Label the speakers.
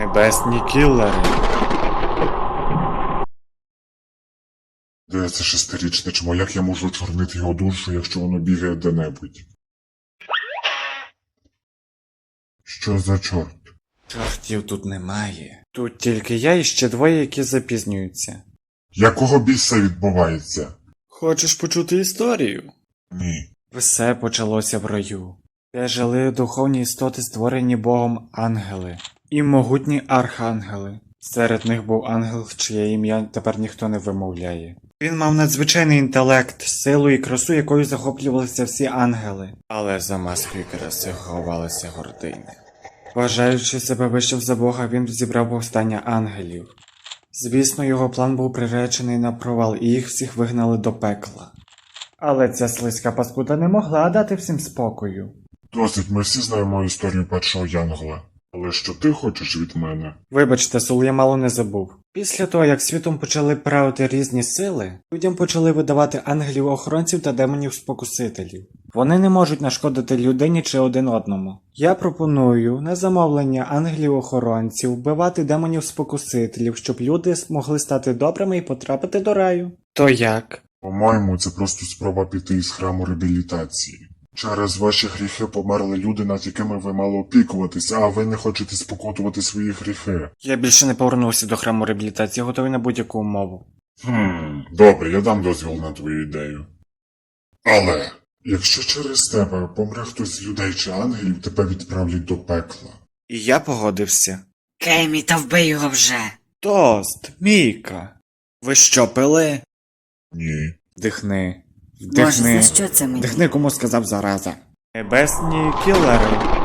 Speaker 1: Небесні кілери.
Speaker 2: Де це шестирічне чмо? Як я можу чорнити його душу, якщо воно бігає де-небудь? Що за чорт?
Speaker 1: Чортів тут немає. Тут тільки я і ще двоє, які запізнюються.
Speaker 2: Якого біса відбувається?
Speaker 1: Хочеш почути історію?
Speaker 2: Ні.
Speaker 1: Все почалося в раю, де жили духовні істоти, створені Богом ангели, і могутні архангели. Серед них був ангел, чиє ім'я тепер ніхто не вимовляє. Він мав надзвичайний інтелект, силу і красу, якою захоплювалися всі ангели. Але за маскою краси ховалася гординя. Вважаючи себе вищим за Бога, він зібрав повстання ангелів. Звісно, його план був приречений на провал, і їх всіх вигнали до пекла. Але ця слизька паскуда не могла дати всім спокою.
Speaker 2: Досить, ми всі знаємо історію першого Янгола. Але що ти хочеш від мене?
Speaker 1: Вибачте, Сул, я мало не забув. Після того, як світом почали правити різні сили, людям почали видавати ангелів-охоронців та демонів-спокусителів. Вони не можуть нашкодити людині чи один одному. Я пропоную на замовлення ангелів-охоронців вбивати демонів-спокусителів, щоб люди змогли стати добрими і потрапити до раю. То як?
Speaker 2: По-моєму, це просто спроба піти із храму реабілітації. Через ваші гріхи померли люди, над якими ви мали опікуватися, а ви не хочете спокутувати свої гріхи.
Speaker 1: Я більше не повернувся до храму реабілітації, готовий на будь-яку умову.
Speaker 2: Добре, я дам дозвіл на твою ідею. Але, якщо через тебе помре хтось з людей чи ангелів, тебе відправлять до пекла.
Speaker 1: І я погодився.
Speaker 3: Кеймі, та вбий його вже.
Speaker 1: Тост, Міка. Ви що, пили?
Speaker 2: Ні.
Speaker 1: Вдихни.
Speaker 3: Боже,
Speaker 1: Вдихни.
Speaker 3: за що це мені?
Speaker 1: Вдихни, кому сказав зараза. Небесні кілери.